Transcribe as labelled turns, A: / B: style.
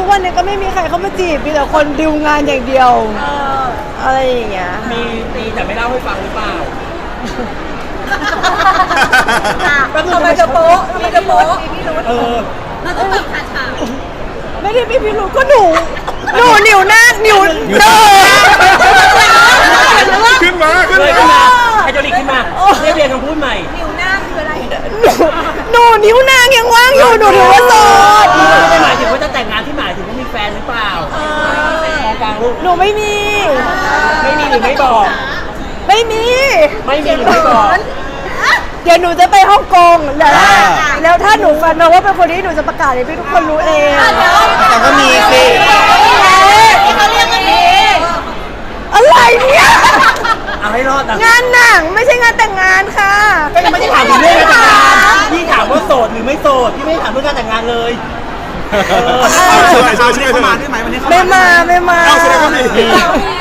A: วันนี้ก็ไม่มีใครเข้ามาจีบมีแต่คนดิวงานอย่างเดียวอะไรอย่างเงี้ย
B: มีตีแต่ไม่เล่าให้ฟังหรือเปล่า
C: ทำไมจะโป๊ะ
D: เราต้องแบบขาดฉาก
A: ไม่ได้พี่รู้ก็หนูนิ้วหน้านิ้ว
E: ขึ้นมา
B: ไฮโดรลิกขึ้นมาเรียกคำพูดใหม่
C: นิ้วหน้าคืออะไร
A: หนูนิ้วนางยังว่างอยู่หนูถือว่าโสด
B: ไม่ได้หมายถึงว่าจะแต่งงานที่หมายถึงว่ามีแฟนหรือเปล่ามองกลางลูก
A: หนูไม่มี
B: ไม่มีหรือไม่บอก
A: ไม่มี
B: หรือไม่บอก
A: เดี๋ยวหนูจะไปฮ่องกงแล้วถ้าหนูฟันมาว่าเป็นคนที่หนูจะประกาศให้ทุกคนรู้เอง
E: แต่ก็มีสิ
C: ที่เขาเรียกกันนี้
A: อะไรเนี่ย
B: เอาให้รอดนะ
A: งานหนังไม่ใช่งานแต่งงานค่ะ
B: ก็ยังไม่ได้ถามถึงเรื่องการแต่งงานพี่ถามว่าโสดหรือไม่โสดพี่ไม่ได้ถามเรื่องการแต่งงานเลย
E: ช่วยเข้ามาได้ไหมวันนี้
A: ไม่มา
E: เอาแสดงว่ามี